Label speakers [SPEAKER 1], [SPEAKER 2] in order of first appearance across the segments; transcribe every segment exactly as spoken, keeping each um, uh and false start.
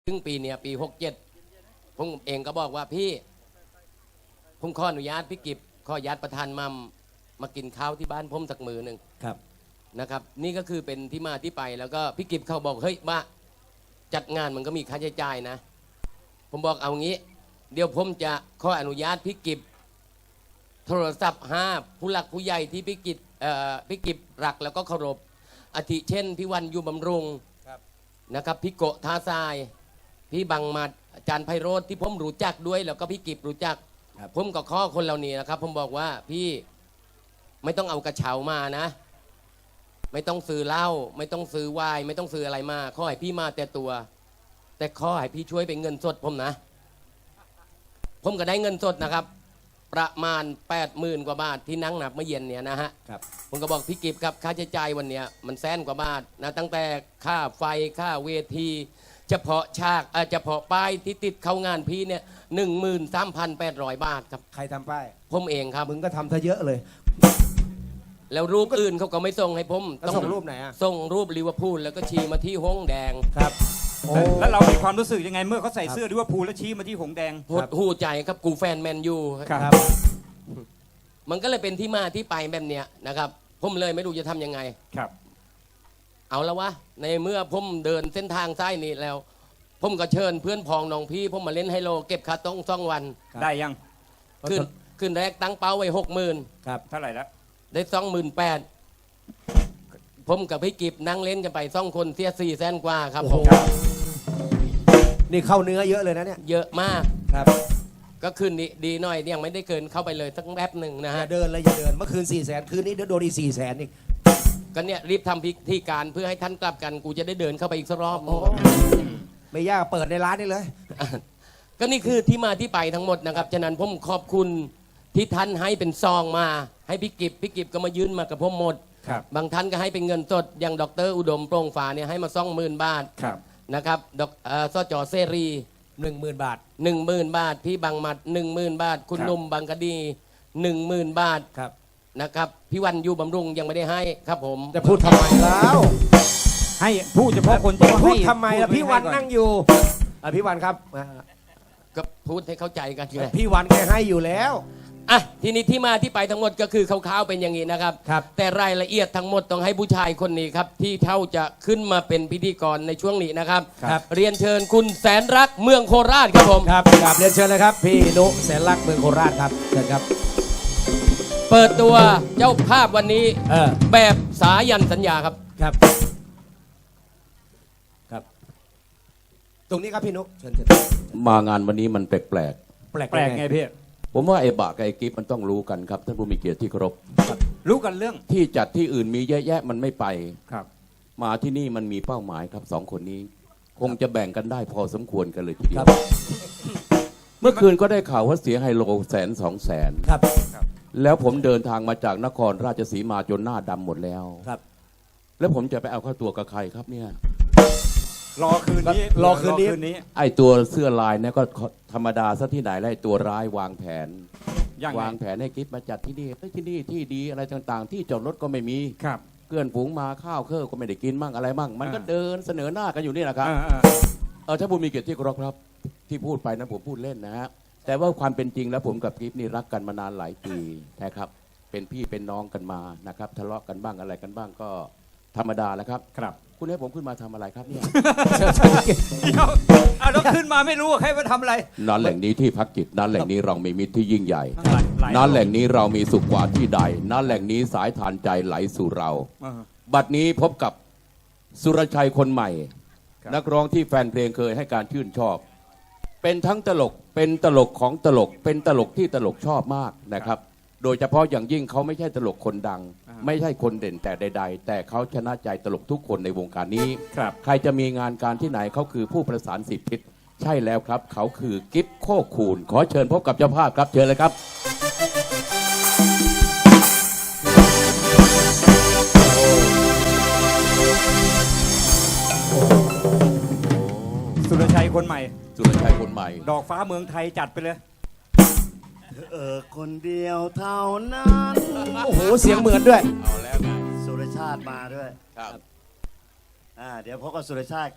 [SPEAKER 1] ซึ่งปีเนี้ยปีหกเจ็ดผมเองก็บอกว่าพี่ผมขออนุญาตพี่กิบขออนุญาตประธานมัมมากินข้าวที่บ้านผมสักมือหนึ่ง
[SPEAKER 2] ครับ
[SPEAKER 1] นะครับนี่ก็คือเป็นที่มาที่ไปแล้วก็พี่กิบเขาบอกเฮ้ยบ้าจัดงานมันก็มีค่าใช้จ่ายนะผมบอกเอางี้เดี๋ยวผมจะขออนุญาตพี่กิบโทรศัพท์ห้าผู้หลักผู้ใหญ่ที่พี่กิบเอ่อพี่กิบรักแล้วก็เคารพอาทิเช่นพี่วันอยู่บำรุงนะครับพี่โกท่าทรายพี่บังมาอาจารย์ไพโรธที่ผมรู้จักด้วยแล้วก็พี่กิบรู้จักผมก็ข้อคนเหล่านี้นะครับผมบอกว่าพี่ไม่ต้องเอากระเช้ามานะไม่ต้องซื้อเหล้าไม่ต้องซื้อไวน์ไม่ต้องซื้ออะไรมาข้อให้พี่มาแต่ตัวแต่ข้อให้พี่ช่วยเป็นเงินสดผมนะผมก็ได้เงินสดนะครับประมาณแปดหมื่นกว่าบาทที่นั่งนับเมื่อเย็นเนี่ยนะฮะผมก็บอกพี่กิบครับค่าใช้จ่ายวันเนี้ยมันแสนกว่าบาทนะตั้งแต่ค่าไฟค่าเวทีเฉพาะฉากเฉพาะป้ายที่ติดเข้างานพี่เนี่ยหนึ่งหมื่นสามพันแปดร้อยบาทครับ
[SPEAKER 2] ใครทำป้าย
[SPEAKER 1] ผมเองครับ
[SPEAKER 2] มึงก็ทำซะเยอะเลย
[SPEAKER 1] แล้วรูปอื่นเขาก็ไม่ส่งให้ผม
[SPEAKER 2] ต้องส่งรูปไหนอ่ะ
[SPEAKER 1] ส่งรูปลิเวอร์พูลแล้วก็ชี้มาที่หงแดง
[SPEAKER 2] ครับ
[SPEAKER 3] แล้วเรามีความรู้สึกยังไงเมื่อเขาใส่เสื้อลิเวอร์พูลแล้วชี้มาที่หงแดง
[SPEAKER 1] หดหูใจครับกูแฟนแมนยู
[SPEAKER 2] ครับ
[SPEAKER 1] มันก็เลยเป็นที่มาที่ไปแบบเนี้ยนะครับผมเลยไม่รู้จะทำยังไง
[SPEAKER 3] ครับ
[SPEAKER 1] เอาแล้ววะในเมื่อผมเดินเส้นทางซ้ายนี้แล้วผมก็เชิญเพื่อนพองน้องพี่ผมมาเล่นไฮโลเก็บค่าต้องซ่องวัน
[SPEAKER 3] ได้ยัง
[SPEAKER 1] ขึ้นขึ้นแรกตั้งเป้าไว้หกหมื่น
[SPEAKER 2] ครับ
[SPEAKER 3] เท่าไหร่แล้ว
[SPEAKER 1] ได้สองหมื่นแปดผมกับพี่กิบนั่งเล่นกันไปสองคนเสียสี่แสนกว่าครับผม
[SPEAKER 2] นี่เข้าเนื้อเยอะเลยนะเนี่ย
[SPEAKER 1] เยอะมาก
[SPEAKER 2] ครับ
[SPEAKER 1] ก็คืนนี้ดีหน่อยยังไม่ได้เกินเข้าไปเลยสักแป๊บหนึ่งนะฮะ
[SPEAKER 2] อย่าเดินเลยอย่าเดินเมื่อคืนสี่แสนคืนนี้เดี๋ยวโดนอีกสี่แสนอีก
[SPEAKER 1] ก็เนี่ยรีบทำพิธีการเพื่อให้ท่านกลับกันกูจะได้เดินเข้าไปอีกสักรอบ
[SPEAKER 2] ไม่ยากเปิดในร้านนี่เลย
[SPEAKER 1] ก็นี่คือที่มาที่ไปทั้งหมดนะครับฉะนั้นผมขอบคุณที่ท่านให้เป็นซองมาให้พี่กิบพี่กิบก็มายื่นมากับผมหมดบางท่านก็ให้เป็นเงินสดอย่างดรอุดมโปร่งฟ้าเนี่ยให้มาสองหมื่นบาทนะครับดอกสจเสรี
[SPEAKER 2] หนึ่งหมื่นบาท
[SPEAKER 1] หนึ่งหมื่นบาทพี่บางมัดหนึ่งหมื่นบาทคุณนุ่มบางกะดีหนึ่งหมื่นบาทนะครับพี่วันอยู่บำรุงยังไม่ได้ให้ครับผม
[SPEAKER 2] จะพูดทำไมแล้ว
[SPEAKER 3] ให้พูดเฉพาะคน
[SPEAKER 2] ที่พูดทำไมล่ะพี่วันนั่งอยู่พี่วันครับ
[SPEAKER 1] ก็พูดให้เข้าใจกันเลย
[SPEAKER 2] พี่วันแกให้อยู่แล้ว
[SPEAKER 1] อ่ะทีนี้ที่มาที่ไปทั้งหมดก็คือคร่าวๆเป็นอย่างนี้นะครับแต่รายละเอียดทั้งหมดต้องให้ผู้ชายคนนี้ครับที่เท่าจะขึ้นมาเป็นพิธีกรในช่วงนี้นะครับเรียนเชิญคุณแสนรักเมืองโคราชครับผม
[SPEAKER 2] ครับครับเรียนเชิญเลยครับพี่นุแสนรักเมืองโคราชครับเชิญครับ
[SPEAKER 1] เปิดตัวเจ้าภาพวันนี้แบบสายันสัญญาครับ
[SPEAKER 2] ครับครับตรงนี้ครับพี่นุเชิญเชิญ
[SPEAKER 4] มางานวันนี้มันแปลกแปลก
[SPEAKER 2] แปลกแปลกไงพี่
[SPEAKER 4] ผมว่าไอ้บะกับไอ้กิฟมันต้องรู้กันครับท่านผู้มีเกียรติที่เคารพ
[SPEAKER 3] รู้กันเรื่อง
[SPEAKER 4] ที่จัดที่อื่นมีเยอะแยะมันไม่ไป
[SPEAKER 3] ครับ
[SPEAKER 4] มาที่นี่มันมีเป้าหมายครับสองคนนี้คงจะแบ่งกันได้พอสมควรกันเลยทีเดียวเมื่อคืนก็ได้ข่าวว่าเสียไฮโลแสนสองแสน
[SPEAKER 2] ครับ
[SPEAKER 4] แล้วผมเดินทางมาจากนครราชสีมาจนหน้าดำหมดแล้ว
[SPEAKER 2] ครับ
[SPEAKER 4] แล้วผมจะไปเอาเข้าตัวกับใครครับเนี่ย
[SPEAKER 3] รอคืนนี้
[SPEAKER 2] รอคืนนี้
[SPEAKER 4] ไอ้ตัวเสื้อลายเนี่ยก็ธรรมดาซะที่ไหนแล้วไอ้ตัวร้ายวางแผนวางแผนให้กิฟมาจัดที่นี่ที่นี่ที่ดีอะไรต่างๆที่จอดรถก็ไม่มี
[SPEAKER 3] ครับ
[SPEAKER 4] เกลื่อนฝูงมาข้าวเครื่องก็ไม่ได้กินมั่งอะไรมั่งมันก็เดินเสนอหน้ากันอยู่นี่แหละครับเออถ้าผมมีเกียรติที่เคารพครับที่พูดไปนะผมพูดเล่นนะฮะแต่ว่าความเป็นจริงแล้วผมกับกิฟนี่รักกันมานานหลายปีนะครับเป็นพี่เป็นน้องกันมานะครับทะเลาะกันบ้างอะไรกันบ้างก็ธรรมดาแล้วครับ
[SPEAKER 3] ครับ
[SPEAKER 4] คุณให้ผมขึ้นมาทำอะไรครับเนี่ย
[SPEAKER 3] เดี๋ยวเอาแล้วขึ้นมาไม่รู้ใครมาทำอะไร
[SPEAKER 4] นั้นแหล่งนี้ที่พักจิตนั้นแหล่งนี้เรามีมิตรที่ยิ่งใหญ่นั้นแหล่งนี้เรามีสุขกว่าที่ใดนั้นแหล่งนี้สายทานใจไหลสู่เราบัดนี้พบกับสุรชัยคนใหม่นักร้องที่แฟนเพลงเคยให้การชื่นชอบเป็นทั้งตลกเป็นตลกของตลกเป็นตลกที่ตลกชอบมากนะครับโดยเฉพาะอย่างยิ่งเขาไม่ใช่ตลกคนดังไม่ใช่คนเด่นแต่ใดๆแต่เขาชนะใจตลกทุกคนในวงการนี้ใครจะมีงานการที่ไหนเขาคือผู้ประสานสิทธิ์ทิศใช่แล้วครับเขาคือกิฟโคคูนขอเชิญพบกับเจ้าภาพครับเชิญเลยครับ
[SPEAKER 3] สุรชัยคนใหม่
[SPEAKER 4] สุรชัยคนใหม่
[SPEAKER 3] ดอกฟ้าเมืองไทยจัดไปเลย
[SPEAKER 5] เออคนเดียวเท่านั้น
[SPEAKER 2] โอ้โหเสียงเหมือนด้วย
[SPEAKER 5] เอาแล้วไงสุรชาติมาด้วย
[SPEAKER 4] ครับ
[SPEAKER 5] อ่าเดี๋ยวพบกับสุรชาติกับ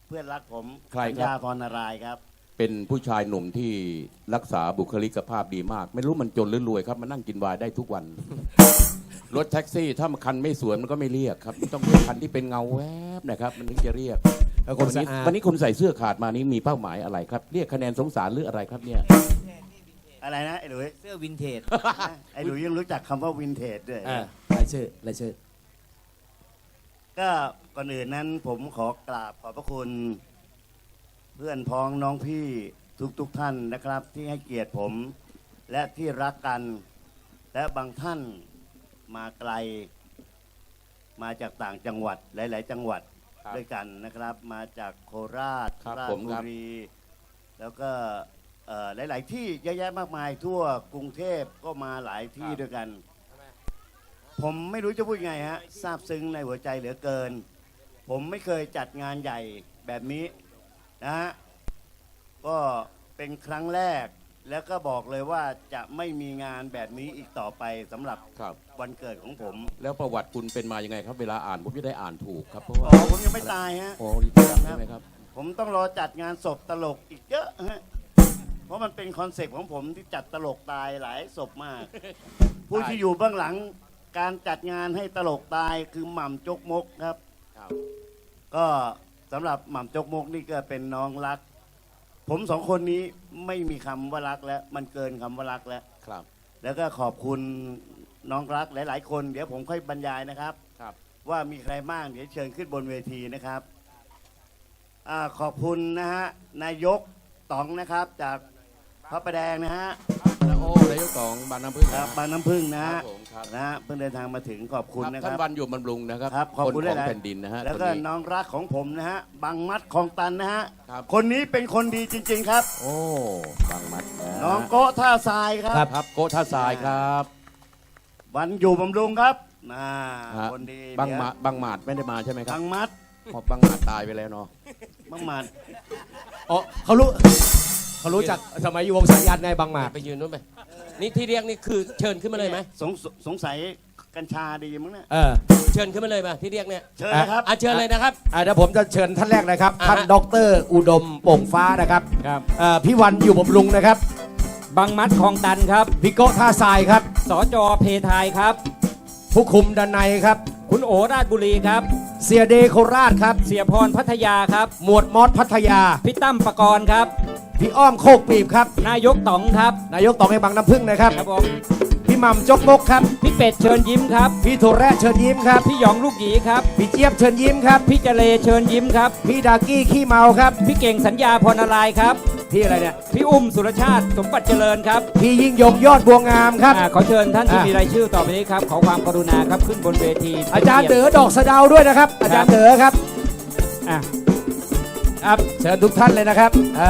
[SPEAKER 5] เพื่อนรักผม
[SPEAKER 4] ใครครับ
[SPEAKER 5] ปัญญาพรนารายณ์ครับ
[SPEAKER 4] เป็นผู้ชายหนุ่มที่รักษาบุคลิกภาพดีมาก ไม่รู้มันจนหรือรวยครับมันนั่งกินวายได้ทุกวัน รถแท็กซี่ถ้ามันคันไม่สวยมันก็ไม่เรียกครับมันต้องเรียกคันที่เป็นเงาแวบนะครับมันถึงจะเรียก
[SPEAKER 2] แล้วคน
[SPEAKER 4] วันนี้
[SPEAKER 2] สะอาด
[SPEAKER 4] วันนี้คุณใส่เสื้อขาดมานี้มีเป้าหมายอะไรครับ เรียกคะแนนสงสารหรืออะไรครับเนี่ย
[SPEAKER 5] อะไรนะไอ้หลุย
[SPEAKER 6] เสื้อวินเทจ
[SPEAKER 5] ไอ้หลุยยังรู้จักคำว่าวินเทจด้วย
[SPEAKER 2] อ่ารายชื่อรายชื่อ
[SPEAKER 5] ก็ก่อนอื่นนั้นผมขอกราบขอบพระคุณ เพื่อนพ้องน้องพี่ทุกๆทท่านนะครับ ที่ให้เกียรติผม และที่รักกัน และบางท่านมาไกล มาจากต่างจังหวัดหลาย ๆ จังหวัด
[SPEAKER 4] ครับ
[SPEAKER 5] ด้วยกันนะครับ มาจากโคราช
[SPEAKER 4] ครับ
[SPEAKER 5] ราช
[SPEAKER 4] ผม
[SPEAKER 5] บุ
[SPEAKER 4] ครับ
[SPEAKER 5] รี แล้วก็เอ่อหลาย ๆ ที่เยอะแยะมากมาย ทั่วกรุงเทพก็มาหลายที่ด้วยกัน ผมไม่รู้จะพูดยังไงฮะซาบซึ้งในหัวใจเหลือเกิน ผมไม่เคยจัดงานใหญ่แบบนี้นะฮะก็เป็นครั้งแรก แล้วก็บอกเลยว่าจะไม่มีงานแบบนี้อีกต่อไปสำหรับ
[SPEAKER 4] ครับ
[SPEAKER 5] วันเกิดของผม
[SPEAKER 4] แล้วประวัติคุณเป็นมายังไงครับ เวลาอ่านผมจะได้อ่านถูกครับเพราะ
[SPEAKER 5] อ๋
[SPEAKER 4] ว่า
[SPEAKER 5] อผมยังไม่ตายฮะ
[SPEAKER 4] โอ้ดีจังใช่ไหมครับ
[SPEAKER 5] ผมต้องรอจัดงานศพตลกอีกเยอะฮะ เพราะมันเป็นคอนเซ็ปต์ของผมที่จัดตลกตายหลายศพมาก ผู้ที่อยู่เบื้องหลังการจัดงานให้ตลกตายคือหม่ำจกมกครับ
[SPEAKER 4] ครับ
[SPEAKER 5] ก็สำหรับหม่ำจกมกนี่ก็เป็นน้องรัก ผมสองคนนี้ไม่มีคำว่ารักแล้ว มันเกินคำว่ารักแล้ว
[SPEAKER 4] ครับ
[SPEAKER 5] แล้วก็ขอบคุณน้องรักหลาย ๆ คน เดี๋ยวผมค่อยบรรยายนะครับ
[SPEAKER 4] ครับ
[SPEAKER 5] ว่ามีใครบ้างเดี๋ยวเชิญขึ้นบนเวทีนะครับอาขอบคุณนะฮะนายกต๋องนะครับจากพระประแดงนะฮะ
[SPEAKER 4] แล้วโอ้นายกของบานน้ำพึ่ง
[SPEAKER 5] ค
[SPEAKER 4] นะ
[SPEAKER 5] รับบางน้ำพึ่งนะ
[SPEAKER 4] ครั
[SPEAKER 5] ฮะ
[SPEAKER 4] บผมครับ
[SPEAKER 5] นะฮะเพิ่งเดินทางมาถึงขอบคุณ
[SPEAKER 4] ครับ
[SPEAKER 5] นะค
[SPEAKER 4] ท่าน
[SPEAKER 5] รับ
[SPEAKER 4] วันอยู่บำรุงนะครับ
[SPEAKER 5] ครับขอบคุณ
[SPEAKER 4] น
[SPEAKER 5] ด้
[SPEAKER 4] ข
[SPEAKER 5] ว
[SPEAKER 4] อย ง
[SPEAKER 5] นะ
[SPEAKER 4] แผ่นดินนะฮะ
[SPEAKER 5] แล้ว
[SPEAKER 4] คน
[SPEAKER 5] ก็
[SPEAKER 4] นี้
[SPEAKER 5] น้องรักของผมนะฮะบางมัดของตันนะฮะ
[SPEAKER 4] ครับ
[SPEAKER 5] คนนี้เป็นคนดีจริง ๆ ครับ
[SPEAKER 4] โอ้บางมัดะ
[SPEAKER 5] น้องโกะท่าทรายครับ
[SPEAKER 4] ครับโกท่าทรายครับ
[SPEAKER 5] วันอยู่บำรุงครับน่า
[SPEAKER 4] ฮะ
[SPEAKER 5] คนดี
[SPEAKER 4] บาง
[SPEAKER 5] เดี๋ยว
[SPEAKER 4] มาบางหมาดไม่ได้มาใช่ไหมครับ
[SPEAKER 5] บางมัด
[SPEAKER 4] เพราะบางหมาดตายไปแล้วเนาะ
[SPEAKER 5] บางมัด
[SPEAKER 2] อ๋อเขารู้เขารู้จักสมัยอยู่วงสายันไงบางหมาก
[SPEAKER 1] ไปยืนนู้นไปนี่ที่เรียกนี่คือเชิญขึ้นมาเลยไหม
[SPEAKER 5] สงสงสัยกัญชาดีมั้งเนี่ย
[SPEAKER 2] เออ
[SPEAKER 1] เชิญขึ้นมาเลยมาที่เรียกเนี่ย
[SPEAKER 5] เชิญนะครับ
[SPEAKER 1] อ่ะเชิญเลยนะครับ
[SPEAKER 2] อ่าเดี๋ยวผมจะเชิญท่านแรกนะครับ
[SPEAKER 1] อ่าฮะ
[SPEAKER 2] ท่านดรอุดมโป่งฟ้านะครับ
[SPEAKER 6] ครับ
[SPEAKER 2] เอ่อพี่วันอยู่บำรุงนะครับ
[SPEAKER 6] บางมัดคลองตันครับ
[SPEAKER 2] พี่โก้ท่าทรายครับ
[SPEAKER 6] สจเพทายครับ
[SPEAKER 2] ผู้คุมด้านในครับ
[SPEAKER 6] คุณโอราชบุรีครับ
[SPEAKER 2] เสียเดโคราชครับ
[SPEAKER 6] เสียพรพัทยาครับ
[SPEAKER 2] หมวดมอสพัทยา
[SPEAKER 6] พี่ตั้มปกรณ์ครับ
[SPEAKER 2] พี่อ้อมโคกปีบครับ
[SPEAKER 6] นายกต๋องครับ
[SPEAKER 2] นายกตองให้บางน้ำพึ่งนะครับ
[SPEAKER 6] ครับผม
[SPEAKER 2] พี่หม่ำจกมกครับ
[SPEAKER 6] พี่เป็ดเชิญยิ้มครับ
[SPEAKER 2] พี่โทแระเชิญยิ้มครับ
[SPEAKER 6] พี่หยองลูกหยีครับ
[SPEAKER 2] พี่เจี๊ยบเชิญยิ้มครับ
[SPEAKER 6] พี่เจเลเชิญยิ้มครับ
[SPEAKER 2] พี่ดากี้ขี้เมาครับ
[SPEAKER 6] พี่เก่งสัญญาพรนารายณ์ครับ
[SPEAKER 2] พี่อะไรเนี่ย
[SPEAKER 6] พี่อุ้มสุรชาติสมบัติเจริญครับ
[SPEAKER 2] พี่ยิ่งยงยอดบัวงามครับ
[SPEAKER 6] อ่าขอเชิญท่านที่
[SPEAKER 2] อ่ะ
[SPEAKER 6] มีรายชื่อต่อไปนี้ครับ ขอความกรุณาครับขึ้นบนเวที
[SPEAKER 2] อาจารย์เด๋อดอกสะเดาด้วยนะครับ อาจารย์เด๋อครับ
[SPEAKER 6] อ่ะ
[SPEAKER 2] ครับเชิญทุกท่านเลยนะครับอ่า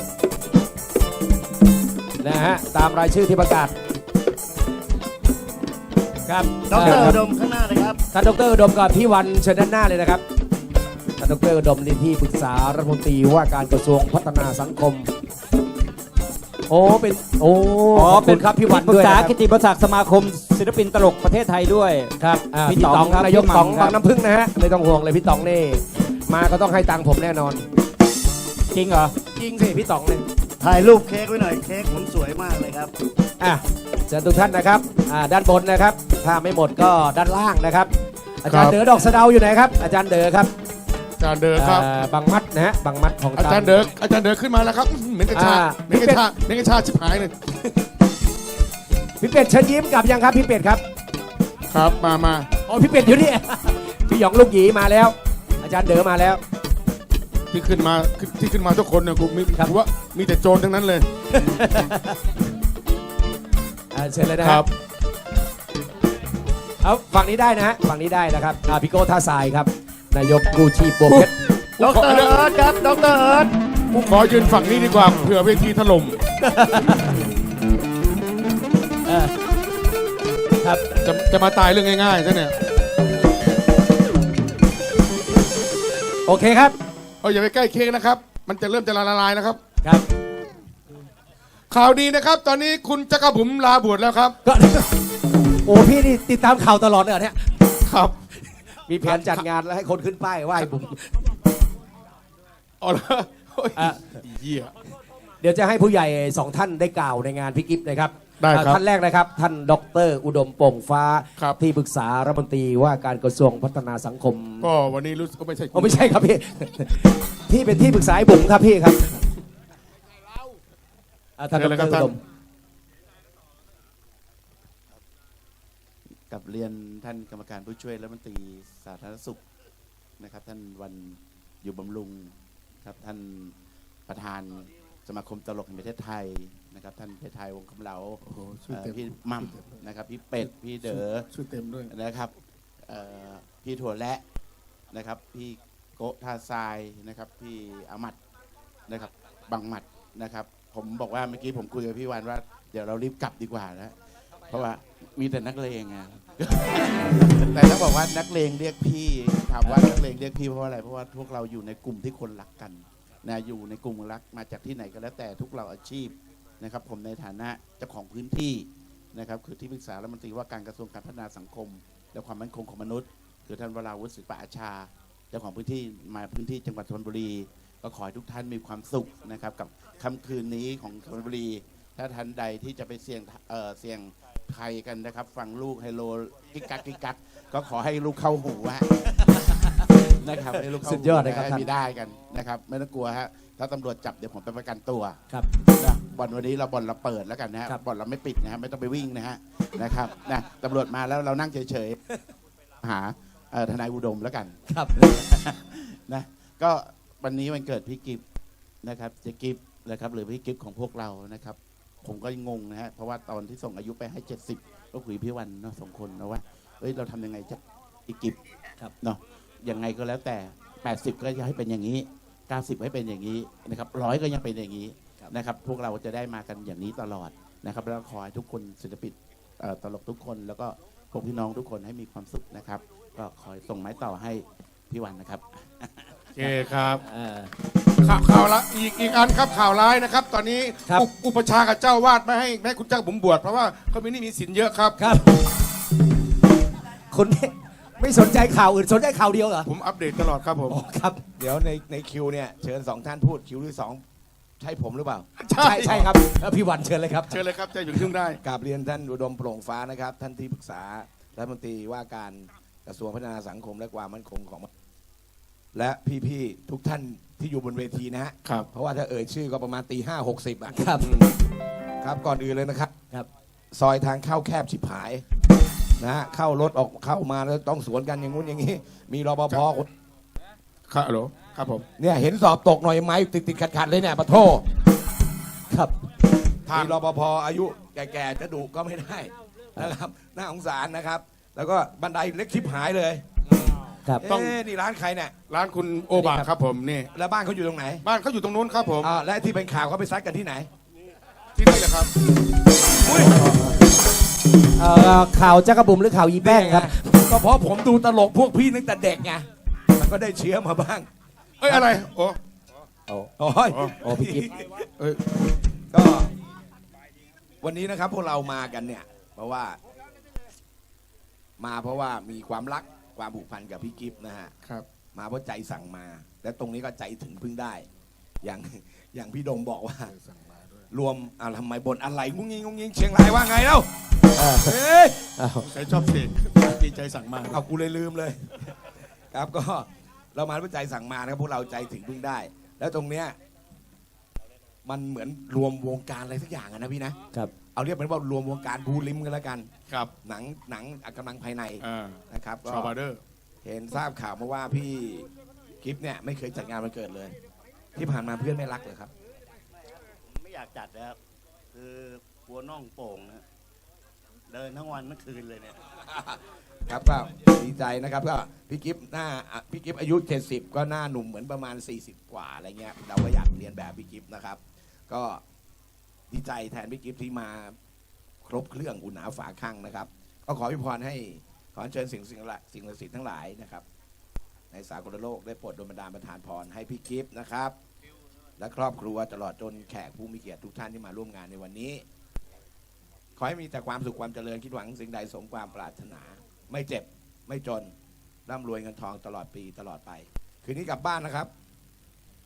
[SPEAKER 2] นะฮะตามรายชื่อที่ประกาศครับ
[SPEAKER 5] ดร
[SPEAKER 2] เชิญค
[SPEAKER 5] อุ
[SPEAKER 2] บ
[SPEAKER 5] ดมข้างหน้าเลยครับ
[SPEAKER 2] ท่านดรอุดมกับพี่วันเชิญด้านหน้าเลยนะครับท่านดรอุดมนี่ที่ปรึกษารัฐมนตรีว่าการกระทรวงพัฒนาสังคม โอ้เป็นโอ้
[SPEAKER 6] อ๋อ
[SPEAKER 2] ขอบคุณครับพี่วัน
[SPEAKER 6] ปรึ
[SPEAKER 2] ด้ว
[SPEAKER 6] ก
[SPEAKER 2] ย
[SPEAKER 6] ษา
[SPEAKER 2] นะครับ
[SPEAKER 6] กิตติมศักดิ์สมาคมศิลปินตลกประเทศไทยด้วย
[SPEAKER 2] ครับอ่า
[SPEAKER 6] พี่
[SPEAKER 2] พี่
[SPEAKER 6] ต๋
[SPEAKER 2] ต๋
[SPEAKER 6] อ
[SPEAKER 2] อง ง
[SPEAKER 6] ครับ
[SPEAKER 2] นายก
[SPEAKER 6] พี่หม่ำ
[SPEAKER 2] ต๋อง
[SPEAKER 6] ครับ
[SPEAKER 2] บางน้ำพึ่งนะฮะไม่ต้องห่วงเลยพี่ต๋องนี่มาก็ต้องให้ตังค์ผมแน่นอน
[SPEAKER 6] จริงเหรอ
[SPEAKER 2] จริงสิพี่ต๋องเนี่ย
[SPEAKER 5] ถ่ายรูปเค้กไว้หน่อยเค้กผมสวยมากเลยครับ
[SPEAKER 2] อ่ะเชิญทุกท่านนะครับอ่าด้านบนนะครับ ถ้าไม่หมดก็ด้านล่างนะครับ อาจารย์เด๋อดอกสะเดาอยู่ไหนครับ อาจารย์เด๋อครับ
[SPEAKER 7] อาจารย์เดินครับ
[SPEAKER 2] อ่าบางมัดนะฮะบางมัดของ
[SPEAKER 7] อาจารย์เดินอาจารย์เดินขึ้นมาแล้วครับอื้อหือเหม็นกัญชา
[SPEAKER 2] อ่า
[SPEAKER 7] เหม็นกัญชาเหม็นกัญชาชิบหายเลย
[SPEAKER 2] พี่เป็ดเชิญยิ้มกลับยังครับพี่เป็ดครับ
[SPEAKER 7] ครับมามา
[SPEAKER 2] อ๋อพี่เป็ดอยู่นี่ พี่หยองลูกหยีมาแล้ว อาจารย์เด๋อมาแล้ว
[SPEAKER 7] ที่ขึ้นมาที่ขึ้นมาทุกคนเนี่ยกูมี
[SPEAKER 2] ครับ
[SPEAKER 7] กูว่ามีแต่โจรทั้งนั้นเลย
[SPEAKER 2] อ่าเชิญเลยนะ
[SPEAKER 7] ค
[SPEAKER 2] ค
[SPEAKER 7] รั
[SPEAKER 2] รับ บเอาฝั่งนี้ได้นะฮะฝั่งนี้ได้นะครับอ่าพี่โก้ท่าทรายครับนายกกู้ชีพบวกเพชร
[SPEAKER 5] ดรเอิร์ธครับดรเอิร์ธ
[SPEAKER 7] กูขอยืนฝั่งนี้ดีกว่าเผื่อเวทีถล่ม
[SPEAKER 2] เออครับ
[SPEAKER 7] จะจะมาตายเรื่องง่ายๆซะเนี่ย
[SPEAKER 2] โอเคครับ
[SPEAKER 7] เอาอย่าไปใกล้เค้กนะครับ มันจะเริ่มจะละลายนะครับ
[SPEAKER 2] ครับ
[SPEAKER 7] ข่าวดีนะครับ ตอนนี้คุณจักรบุ๋มลาบวชแล้วครับ
[SPEAKER 2] ก็ โอ้พี่นี่ติดตามข่าวตลอดเลยเหรอเนี่ย
[SPEAKER 7] ครับ
[SPEAKER 2] มีแผนจัดงานแล้วให้คนขึ้นป้ายไหว้ผม
[SPEAKER 7] อ๋อเหรอโอ้ย
[SPEAKER 2] อ่ะ
[SPEAKER 7] เหี้ย
[SPEAKER 2] เดี๋ยวจะให้ผู้ใหญ่สองท่านได้กล่าวในงานพี่กิฟต์นะครับ
[SPEAKER 7] ได้ครับ
[SPEAKER 2] อ่าท่านแรกนะครับ ท่านดรอุดมโป่งฟ้า
[SPEAKER 7] ครับ
[SPEAKER 2] ที่ปรึกษารัฐมนตรีว่าการกระทรวงพัฒนาสังคม
[SPEAKER 7] ก็วันนี้รู้สึกว่าไม่ใช่
[SPEAKER 2] โอ้ไม่ใช่ครับพี่ ที่เป็นที่ปรึกษาให้บุ๋มครับพี่ครับอ่าท่านด
[SPEAKER 7] เชิญเลยค
[SPEAKER 2] ร
[SPEAKER 7] รับ
[SPEAKER 2] อุ
[SPEAKER 7] ท่าน
[SPEAKER 2] ดม
[SPEAKER 5] กับเรียนท่านกรรมการผู้ช่วยรัฐมนตรีสาธารณสุขนะครับ ท่านวันอยู่บำรุงครับท่านประธานสมาคมตลกแห่งประเทศไทยนะครับ ท่านเพชรไทยวงศ์คำเหลา
[SPEAKER 7] โอ้โหชื่อ
[SPEAKER 5] เอ่อ
[SPEAKER 7] เต็ม
[SPEAKER 5] พี่มั่มนะครับพี่เป็ดพี่เด๋อ
[SPEAKER 7] ชื่อเต็มด้วย
[SPEAKER 5] นะครับเอ่อพี่ถั่วและนะครับ พี่โกะท่าทรายนะครับ พี่อามัดนะครับบังหมัดนะครับ ผมบอกว่าเมื่อกี้ผมคุยกับพี่วันว่าเดี๋ยวเรารีบกลับดีกว่านะเพราะว่ามีแต่นักเลงไง แต่ถ้าบอกว่านักเลงเรียกพี่ถามว่านักเลงเรียกพี่เพราะอะไรเพราะว่าพวกเราอยู่ในกลุ่มที่คนรักกันนะอยู่ในกลุ่มรักมาจากที่ไหนก็แล้วแต่ทุกเราอาชีพนะครับ ผมในฐานะเจ้าของพื้นที่นะครับคือที่ปรึกษารัฐมนตรีว่าการกระทรวงการพัฒนาสังคม และความมั่นคงของมนุษย์ คือท่านวราวุฒิศิลปะอาชาเจ้าของพื้นที่มาพื้นที่จังหวัดชลบุรีก็ขอให้ทุกท่านมีความสุขนะครับกับค่ำคืนนี้ของชลบุรี ถ้าท่านใดที่จะไปเสี่ยงเอ่อเสี่ยงภัยกันนะครับ ฟังลูกไฮโลกิกกักกิกกักก็ขอให้ลูกเข้าหูฮะ นะครับให้ลูกเข้าหู
[SPEAKER 2] สุดยอดเลยครับ
[SPEAKER 5] ให้
[SPEAKER 2] ท่าน
[SPEAKER 5] มีได้กันนะครับ ไม่ต้องกลัวฮะถ้าตำรวจจับเดี๋ยวผมไปประกันตัว
[SPEAKER 2] ครับ
[SPEAKER 5] นะบ่อนวันนี้เราบ่อนเราเปิดแล้วกันนะฮะ
[SPEAKER 2] ครับ
[SPEAKER 5] บ่อนเราไม่ปิดนะฮะไม่ต้องไปวิ่งนะฮะนะครับนะตำรวจมาแล้วเรานั่งเฉยๆหาเอ่อทนายอุดมแล้วกัน
[SPEAKER 2] ครับ
[SPEAKER 5] นะก็วันนี้วันเกิดพี่กิฟต์นะครับเจ๊กิฟต์นะครับหรือพี่กิฟต์ของพวกเรานะครับ ผมก็งงนะฮะเพราะว่าตอนที่ส่งอายุไปให้เจ็ดสิบก็คุยพี่วันเนาะสองคนนะว่าเอ้ยเราทำยังไงจะพี่กิฟต์
[SPEAKER 2] ครับ
[SPEAKER 5] เนาะยังไงก็แล้วแต่แปดสิบก็จะให้เป็นอย่างนี้เก้าสิบให้เป็นอย่างนี้นะครับร้อยก็ยังเป็นอย่างนี้นะครับ พวกเราจะได้มากันอย่างนี้ตลอดนะครับแล้วขอให้ทุกคนศิลปินเอ่อตลกทุกคนแล้วก็พวกพี่น้องทุกคนให้มีความสุขนะครับ ก็ขอส่งไม้ต่อให้พี่วันนะครับ
[SPEAKER 7] โอเคครับ
[SPEAKER 2] อ่า
[SPEAKER 7] ข่าวข่าวละอีกอีกอันครับข่าวร้ายนะครับ ตอนนี้
[SPEAKER 2] ครับ
[SPEAKER 7] อุอุปชฌาย์กับเจ้าวาดไม่ให้ไม่ให้คุณเจ้าบุ๋มบวชเพราะว่าเขามีหนี่มีสินเยอะครับ
[SPEAKER 2] ครับคุณไม่ไม่สนใจข่าวอื่นสนใจข่าวเดียวเหรอ
[SPEAKER 7] ผมอัปเดตตลอดครับผม
[SPEAKER 2] อ๋อครับ
[SPEAKER 8] เดี๋ยวในในคิวเนี่ยเชิญสองท่านพูดคิวที่สองใช่ผมหรือเปล่า
[SPEAKER 7] ใช่
[SPEAKER 2] ใช่ใช่ครับเอ่อพี่วันเชิญเลยครับ
[SPEAKER 7] เชิญเลยครับจะอยู่ครึ่งได้
[SPEAKER 8] กราบเรียนท่านอุดมโปร่งฟ้านะครับ ท่านที่ปรึกษารัฐมนตรีว่าการกระทรวงพัฒนาสังคมและความมั่นคงของมนุษย์และพี่ๆทุกท่านที่อยู่บนเวทีนะฮะ
[SPEAKER 7] ครับ
[SPEAKER 8] เพราะว่าถ้าเอ่ยชื่อก็ประมาณตีห้าหกสิบอ่ะ
[SPEAKER 2] ครับ
[SPEAKER 8] ครับก่อนอื่นเลยนะครับ
[SPEAKER 2] ครับ
[SPEAKER 8] ซอยทางเข้าแคบฉิบหายนะฮะเข้ารถออกเข้ามาแล้วต้องสวนกันอย่างงู้นอย่างนี้ มีรปภคน
[SPEAKER 7] ครับฮัลโหลครับผม
[SPEAKER 8] เนี่ยเห็นสอบตกหน่อยไม้ติดติดขัดขัดๆเลยเนี่ยปะโท
[SPEAKER 2] ครับ
[SPEAKER 8] มีรปภอายุแก่ๆจะดุก็ไม่ได้นะครับน่าสงสารนะครับ แล้วก็บันไดเล็กชิบหายเลย
[SPEAKER 2] ครับ
[SPEAKER 8] เอ๊ะนี่ร้านใครเนี่ย
[SPEAKER 7] ร้านคุณโอบะครับผมนี่
[SPEAKER 8] แล้วบ้านเขาอยู่ตรงไหน
[SPEAKER 7] บ้านเขาอยู่ตรงนู้นครับผม
[SPEAKER 8] อ่าและที่เป็นข่าวเขาไปซัดกันที่ไหน
[SPEAKER 7] ที่นี่แหละครับ
[SPEAKER 2] เอ่อข่าวจักรบุ๋มหรือข่าวอีแป้งครับ
[SPEAKER 8] ก็เพราะผมดูตลกพวกพี่ตั้งแต่เด็กไงมันก็ได้เชื้อมาบ้าง
[SPEAKER 7] เอ้ยอะไรโอ้
[SPEAKER 8] โอ้ย
[SPEAKER 2] โอ้พี่กิ๊ฟ
[SPEAKER 7] เอ้ย
[SPEAKER 8] ก็ วันนี้นะครับพวกเรามากันเนี่ย เพราะว่า มาเพราะว่ามีความรักความผูกพันกับพี่กิฟต์นะฮะ
[SPEAKER 7] ครับ
[SPEAKER 8] มาเพราะใจสั่งมา และตรงนี้ก็ใจถึงพึ่งได้ อย่างอย่างพี่ดมบอกว่า รวมอ่าทำไมบนอะไรงุ้งยิงงุ้งยิงเชียงรายว่าไงเล่าเฮ้ย
[SPEAKER 2] อ้าว
[SPEAKER 7] ใครชอบเพลงดีใจสั่งมา
[SPEAKER 8] เอากูเลยลืมเลย ครับก็เรามาด้วยใจสั่งมานะครับพวกเราใจถึงพึ่งได้ แล้วตรงเนี้ยมันเหมือนรวมวงการอะไรสักอย่างอะนะพี่นะครับ เอาเรียกมันว่ารวมวงการบูริมกันแล้วกัน
[SPEAKER 7] ครับ
[SPEAKER 8] หนังหนังกำลังภายใน
[SPEAKER 7] อ่า
[SPEAKER 8] นะครับก็
[SPEAKER 7] ชาวบาร์เดอร์
[SPEAKER 8] เห็นทราบข่าวมาว่าพี่กิฟเนี่ยไม่เคยจัดงานวันเกิดเลย ที่ผ่านมาเพื่อนไม่รักเลยครับ
[SPEAKER 5] ผมไม่อยากจัดนะครับคือปัวน่องโป่งนะเดินทั้งวันทั้งคืนเลยเนี่ย
[SPEAKER 8] ครับก็ดีใจนะครับก็พี่กิฟหน้าอ่ะพี่กิฟอายุเจ็ดสิบก็หน้าหนุ่มเหมือนประมาณสี่สิบกว่าอะไรเงี้ยเราก็อยากเรียนแบบพี่กิฟนะครับ ก็ดีใจแทนพี่กิฟที่มาครบเครื่องอุ่นหนาฝาข้างนะครับ ก็ขอพิพรให้ขอเชิญสิ่งสิ่งละสิ่งศักดิ์สิทธิ์ทั้งหลายนะครับ ในสากลโลกได้โปรดดลบันดาลประทานพรให้พี่กิฟนะครับ และครอบครัวตลอดจนแขกผู้มีเกียรติทุกท่านที่มาร่วมงานในวันนี้ ขอให้มีแต่ความสุขความเจริญคิดหวังสิ่งใดสมความปรารถนา ไม่เจ็บไม่จนร่ำรวยเงินทองตลอดปีตลอดไป คืนนี้กลับบ้านนะครับ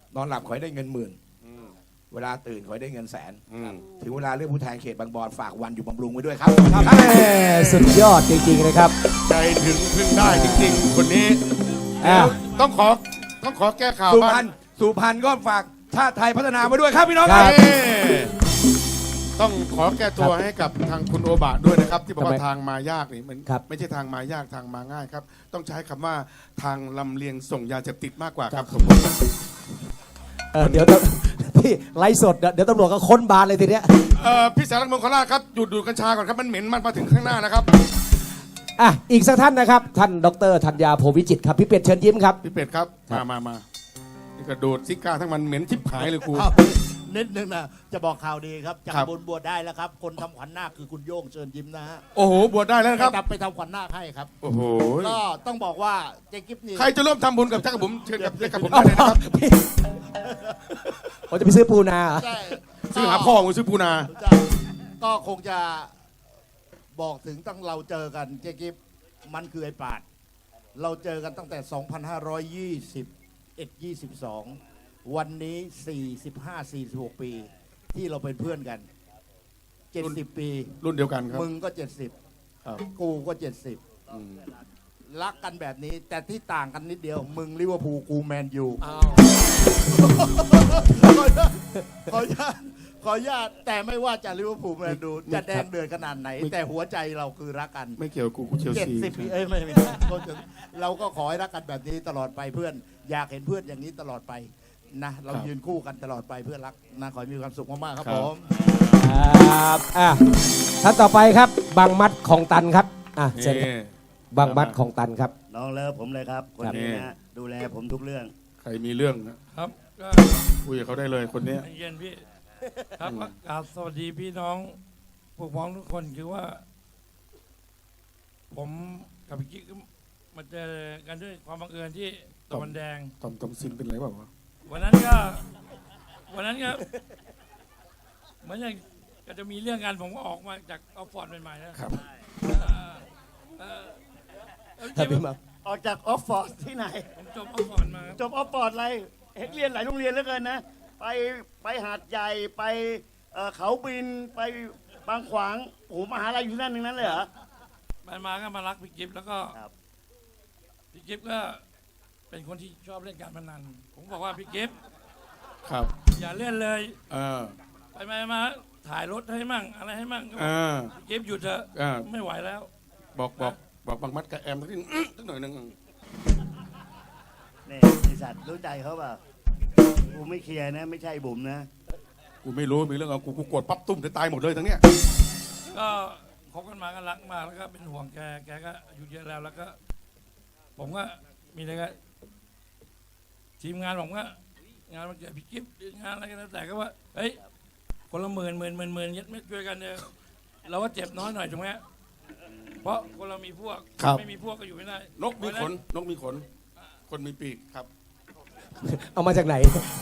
[SPEAKER 8] นอนหลับขอให้ได้เงินหมื่น เวลาตื่นขอให้ได้เงินแสน
[SPEAKER 7] อืม
[SPEAKER 8] ถึงเวลาเลือกผู้แทนเขตบางบอนฝากวันอยู่บำรุงไว้ด้วยครับ
[SPEAKER 2] แม่สุดยอดจริงๆนะครับ
[SPEAKER 7] ใจถึงพึ่งได้จริงๆ คนนี้
[SPEAKER 2] อ่ะ
[SPEAKER 7] ต้องขอต้องขอแก้ข่าว
[SPEAKER 8] สุพร
[SPEAKER 7] บ้าร
[SPEAKER 8] ณ
[SPEAKER 7] ง
[SPEAKER 8] สุพรรณก็ฝากชาติไทยพัฒนามาด้วยครับพี่น้องค
[SPEAKER 2] ครั
[SPEAKER 8] รับ
[SPEAKER 2] บ
[SPEAKER 7] เอ้ต้องขอแก้ตัวให้กับทางคุณโอบะด้วยนะครับ ที่บอกว่า
[SPEAKER 2] ทำไม
[SPEAKER 7] ทางมายากนี่มัน
[SPEAKER 2] ครับ
[SPEAKER 7] ไม่ใช่ทางมายากทางมาง่ายครับ ต้องใช้คำว่าทางลำเลียงส่งยาเสพติดมากกว่าครับผม
[SPEAKER 2] เออเดี๋ยวพี่ไลฟ์สดเดี๋ยวตำรวจก็ค้นบานเลยทีเนี้ย
[SPEAKER 7] เอ่อพี่สารักมงคลราชครับหยุดดูดกัญชาก่อนครับมันเหม็นมันมาถึงข้างหน้านะครับ
[SPEAKER 2] อ่ะอีกสักท่านนะครับ ท่านดรธัญญาโพวิจิตรครับพี่เป็ดเชิญยิ้มครับ
[SPEAKER 7] พี่เป็ดครับมามามานี่กระโดดซิก้าทั้งมันเหม็นชิบหายเลยครู
[SPEAKER 9] อ้าวนิดนึงนะจะบอกข่าวดีครับจาก
[SPEAKER 7] ครับ
[SPEAKER 9] บุญบวชได้แล้วครับ คนทำขวัญนาคคือคุณโย่งเชิญยิ้มนะฮะ
[SPEAKER 7] โอ้โหบวชได้แล้วนะครับ
[SPEAKER 9] ไปทำไปทำขวัญนาคให้ครับ
[SPEAKER 7] โอ้โห
[SPEAKER 9] ก็ต้องบอกว่าเจ๊กิฟนี่
[SPEAKER 7] ใครจะร่วมทำบุญกับจักรบุ๋มเชิญกับจักรบุ๋มได้เลยนะครับ
[SPEAKER 2] ผมจะไปซื้อปูนาเหรอ
[SPEAKER 9] ใช่
[SPEAKER 7] ซื้อหาพ่อของซื้อปูนา
[SPEAKER 9] ใช่ก็คงจะบอกถึงตั้งเราเจอกันเจ๊กิฟมันคือไอ้ปาด เราเจอกันตั้งแต่ สองพันห้าร้อยยี่สิบเอ็ด ยี่สิบสอง วันนี้ สี่สิบห้า สี่สิบหก ปี ที่เราเป็นเพื่อนกัน เจ็ดสิบ ปี
[SPEAKER 7] รุ่นเดียวกันครับ
[SPEAKER 9] มึงก็ เจ็ดสิบ
[SPEAKER 7] ครับ
[SPEAKER 9] กูก็ เจ็ดสิบ
[SPEAKER 7] อืม
[SPEAKER 9] รักกันแบบนี้ แต่ที่ต่างกันนิดเดียว มึงลิเวอร์พูลกูแมนยูขออนุญาตขออนุญาตแต่ไม่ว่าจะลิเวอร์พูลแมนยูจะแดงเดือดขนาดไหน แต่หัวใจเราคือรักกัน
[SPEAKER 7] ไม่เกี่ยวกับกูกูเชล
[SPEAKER 9] เจ็ด
[SPEAKER 7] ซี
[SPEAKER 9] สิบปีเอ้ยไม่ไม่ก็จะเราก็ขอให้รักกันแบบนี้ตลอดไปเพื่อน อยากเห็นเพื่อนอย่างนี้ตลอดไปนะเรายืนคู่กันตลอดไปเพื่อรักนะขอให้มีความสุขมากๆครับผม
[SPEAKER 2] ครับอ่ะท่านต่อไปครับบางมัดของตันครับอ่ะเชิญ
[SPEAKER 7] นี่
[SPEAKER 2] บางมัดของตันครับ
[SPEAKER 5] น้องเลิฟผมเลยครับ คน
[SPEAKER 7] ครับ
[SPEAKER 5] นี้นะดูแลผมทุกเรื่อง
[SPEAKER 7] ใครมีเรื่องนะครับ
[SPEAKER 10] ก็
[SPEAKER 7] คุยกับเขาได้เลยคนเนี้ย
[SPEAKER 10] เย็นพี่ ครับก็กราบสวัสดีพี่น้องพวกพ้องทุกคนคือว่า ผมกับพี่กิ๊กมาเจอกันด้วยความบังเอิญที่ตะวันแดง
[SPEAKER 7] ตอมตอมซินเป็นไรเปล่าวะ
[SPEAKER 10] วันนั้นก็ วันนั้นก็เหมือนอย่างก็จะมีเรื่องกันผมก็ออกมาจากออฟฟอร์ดใหม่ๆนะครับ เอ่อเอ่อเอ่อ
[SPEAKER 2] ครับพี่มา
[SPEAKER 5] ออกจากออฟฟอร์ดที่ไหน
[SPEAKER 10] ผมจบออฟฟอร์ดมาครับ
[SPEAKER 5] จบออฟฟอร์ดอะไรเห็นเรียนหลายโรงเรียนเหลือเกินนะ ไปไปหาดใหญ่ไปเอ่อเขาบินไปบางขวางโอ้โหมหาลัยอยู่ที่นั่นนึงนั้นเลยเหรอ
[SPEAKER 10] ไปมาก็มารักพี่กิฟต์แล้วก็
[SPEAKER 5] ครับ
[SPEAKER 10] พี่กิฟต์ก็เป็นคนที่ชอบเล่นการพนันผมบอกว่าพี่กิฟต์
[SPEAKER 7] ครับ
[SPEAKER 10] อย่าเล่นเลย
[SPEAKER 7] เออ
[SPEAKER 10] ไปมามาถ่ายรถให้มั่งอะไรให้มั่งก็บ
[SPEAKER 7] เอ
[SPEAKER 10] อก
[SPEAKER 7] อ
[SPEAKER 10] พี่กิฟต์หยุดเถอะ
[SPEAKER 7] เออ
[SPEAKER 10] ไม่ไหวแล้ว
[SPEAKER 7] บอกบอกบอกบางมัดกับแอมสักนิดอื้อสักหน่อยหนึง
[SPEAKER 5] นี่ไอสัตว์รู้ใจเขาเปล่ากูไม่เคลียร์นะ ไม่ใช่บุ๋มนะ
[SPEAKER 7] กูไม่รู้มีเรื่องเอากูกูกดปั๊บตุ้มจะตายหมดเลยทั้งเนี้ย
[SPEAKER 10] ก็คบกันมาก็รักมากแล้วก็เป็นห่วงแกแกก็อายุเยอะแล้วแล้วก็ ผมก็มีอะไรก็ทีมงานผมก็งานมันเกิดพี่กิฟต์หรืองานอะไรก็แล้วแต่ก็ว่าเฮ้ยคนละหมื่นหมื่นหมื่นหมื่นยัดไม่ช่วยกันเนี่ยเราก็เจ็บน้อยหน่อยถูกไหมเพราะคนเรามีพวกไม่มีพวกก็อยู่ไม่ได้
[SPEAKER 7] นกมีขนนกมีขน คนมีปีกครับ
[SPEAKER 2] เอามาจากไหน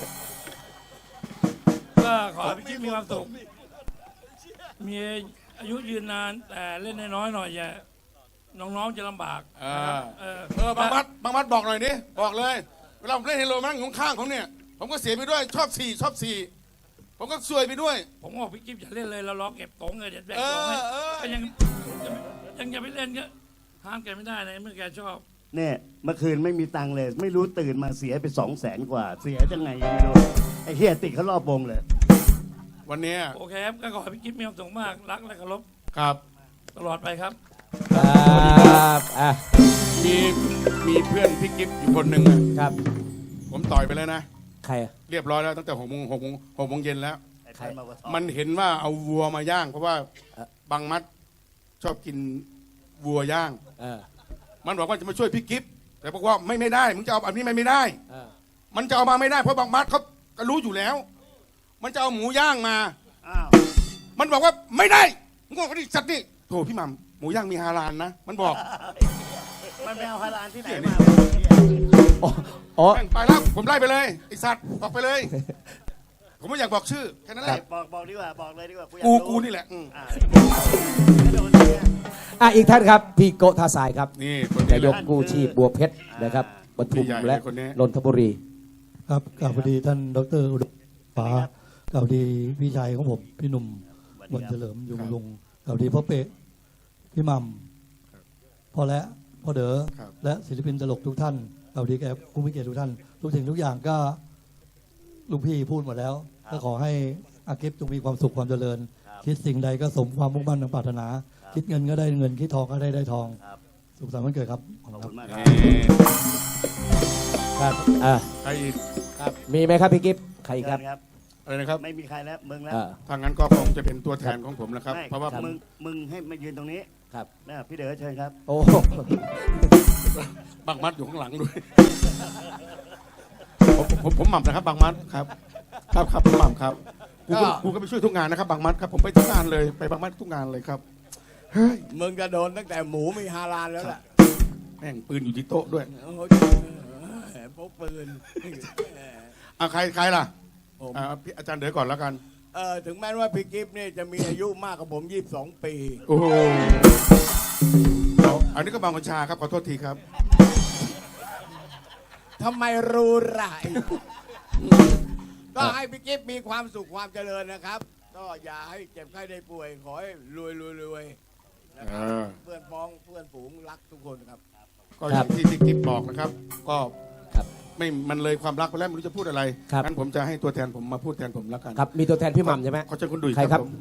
[SPEAKER 10] ก็ขอให้พี่กิ๊ฟมีความสุขมีอายุยืนนานแต่เล่นน้อยๆหน่อยอย่าน้องๆจะลำบาก
[SPEAKER 7] อ่า
[SPEAKER 10] นะครับเออ
[SPEAKER 7] เออบางมัดบางมัดบอกหน่อยดิบอกเลย เวลาผมเล่นเฮโลมั่งของข้างผมเนี่ย ผมก็เสียไปด้วยชอบสี่ชอบสี่ผมก็ซวยไปด้วย
[SPEAKER 10] ผมบอกพี่กิ๊ฟอย่าเล่นเลยเรารอเก็บตงเลยเดี๋ยวแบก
[SPEAKER 7] เอ
[SPEAKER 10] ตงให้
[SPEAKER 7] อเออ
[SPEAKER 10] ก็ยังยังอย่าไปเล่นก็ห้ามแกไม่ได้นะเมื่อแกชอบ
[SPEAKER 5] เนี่ยเมื่อคืนไม่มีตังค์เลย ไม่รู้ตื่นมาเสียไปสองแสนกว่า เสียจังไงยังไม่รู้ ไอ้เฮียติดเขารอบวงเลย
[SPEAKER 7] วันเนี้ย
[SPEAKER 10] โอเคครับก็ขอให้พี่กิ๊ฟมีความสุขมากรักและเคารพ
[SPEAKER 7] ครับ
[SPEAKER 10] ตลอดไปครับ
[SPEAKER 2] ครับอ่ะ
[SPEAKER 7] มีมีเพื่อนพี่กิฟต์อยู่คนหนึ่งอะ
[SPEAKER 2] ครับ
[SPEAKER 7] ผมต่อยไปแล้วนะ
[SPEAKER 2] ใครอ่ะ
[SPEAKER 7] เรียบร้อยแล้วตั้งแต่หกโมงหกโมงหกโมงเย็นแล้ว
[SPEAKER 5] ไอ้พันมากระทบ
[SPEAKER 7] มันเห็นว่าเอาวัวมาย่าง เพราะว่า
[SPEAKER 2] เอ่อ
[SPEAKER 7] บางมัดชอบกินวัวย่าง
[SPEAKER 2] เออ
[SPEAKER 7] มันบอกว่าจะมาช่วยพี่กิฟต์แต่บอกว่าไม่ไม่ได้มึงจะเอาแบบนี้ไม่ไม่ได้
[SPEAKER 2] เออ
[SPEAKER 7] มันจะเอามาไม่ได้เพราะบางมัดเขาก็รู้อยู่แล้ว มันจะเอาหมูย่างมา
[SPEAKER 5] อ้าว
[SPEAKER 7] มันบอกว่าไม่ได้มึงบอกว่านี่สัตว์นี่โถพี่หม่ำหมูย่างมีฮาลาลนะมันบอก
[SPEAKER 5] มันไปเอาฮาลาลที่ไหนมา
[SPEAKER 2] อ๋ออ๋อ
[SPEAKER 7] แม่งไปแล้วผมไล่ไปเลยไอสัตว์ออกไปเลย ผมไม่อยากบอกชื่อแค่นั้นแหละ
[SPEAKER 5] บอกบอกดีกว่าบอกเลยดีกว่าอยา
[SPEAKER 7] กู
[SPEAKER 5] รู้
[SPEAKER 7] กูนี่แหละอืม
[SPEAKER 5] อ่าไม่โดนเนี่ย
[SPEAKER 2] อ่ะอีกท่านครับ พี่โกท่าทรายครับ
[SPEAKER 7] นี่คน
[SPEAKER 2] นา
[SPEAKER 7] นี้
[SPEAKER 2] ย
[SPEAKER 7] แหละ
[SPEAKER 2] กกู้ชีพบัวเพชรนะครับปทุม
[SPEAKER 7] พี่ใหญ่
[SPEAKER 2] และ
[SPEAKER 7] คนนี้
[SPEAKER 2] นนทบุรี
[SPEAKER 11] ครับกล่าวพอดีท่านดรอุดมฟ้ากล่าวดีพี่ชายของผมพี่หนุ่มวันเฉลิมยุงลุงกล่าวดีพ่อเป๊ะพี่หม่ำพ่อและพ่อเด๋อและศิลปินตลกทุกท่านกล่าวดีแก่ผู้มีเกียรติทุกท่านทุกสิ่งทุกอย่างก็ลุงพี่พูดหมดแล้วก็ขอให้อากิฟจงมีความสุขความเจริญ คิดสิ่งใดก็สมความมุ่งมั่นปรารถนา คิดเงินก็ได้เงินคิดทองก็ได้ได้ทองสุขสันต์วันเกิดครับขอบคุณมากครับ
[SPEAKER 2] ครับอ่า
[SPEAKER 7] ใครอีก
[SPEAKER 2] ครับมีไหมครับพี่กิฟต์ใครอีกครับ
[SPEAKER 7] อะไรนะครับ
[SPEAKER 5] ไม่มีใครแล้วมึงแล้ว
[SPEAKER 2] อ่า
[SPEAKER 7] ทางนั้นก็คงจะเป็นตัวแทนของผมนะครับ
[SPEAKER 5] ไม่
[SPEAKER 7] เพราะว่าผม
[SPEAKER 5] มึงมึงให้มายืนตรงนี้
[SPEAKER 2] ครับ
[SPEAKER 5] นะพี่เด๋อเชิญครับ
[SPEAKER 2] โอ้
[SPEAKER 7] บางมัดอยู่ข้างหลังด้วย ผมผมผมหม่ำนะครับบางมัดครับ ครับครับผมหม่ำครับกูก็กูก็ไปช่วยทุกงานนะครับบางมัดครับผมไปทุกงานเลยไปบางมัดทุกงานเลยครับเฮ้ย
[SPEAKER 8] มึงจะโดนตั้งแต่หมูมีฮาลาลแล้วล่ะ
[SPEAKER 7] แม่งปืนอยู่ที่โต๊ะด้วย
[SPEAKER 8] โอ้โหพกปืน
[SPEAKER 7] เอาใครใครล่ะ
[SPEAKER 8] ผม
[SPEAKER 7] อ่าพี่อาจารย์เด๋อก่อนแล้วกัน
[SPEAKER 8] เออถึงแม้ว่าพี่กิฟต์นี่จะมีอายุมากกว่าผมยี่สิบสองปี
[SPEAKER 7] โอ้โหเอาอันนี้ก็บางกัญชาครับขอโทษทีครับ
[SPEAKER 8] ทำไมรู้ไรก็ให้พี่กิฟต์มีความสุขความเจริญนะครับ ก็อย่าให้เจ็บไข้ได้ป่วย ขอให้รวยรวยรวยนะครับ
[SPEAKER 7] อ่า
[SPEAKER 8] เพื่อนพ้องเพื่อนฝูงรักทุกคนครับ
[SPEAKER 7] ก็อย่างที่พี่กิ๊บบอกนะครับ ก็
[SPEAKER 2] ครับ
[SPEAKER 7] ไม่มันเลยความรักไปแล้วไม่รู้จะพูดอะไร
[SPEAKER 2] ครับ
[SPEAKER 7] งั้นผมจะให้ตัวแทนผมมาพูดแทนผมแล้วกัน
[SPEAKER 2] ครับมีตัวแทนพี่หม่ำใช่ไหม
[SPEAKER 7] ขอเชิญคุณดุย
[SPEAKER 2] ใครครับ
[SPEAKER 7] ผม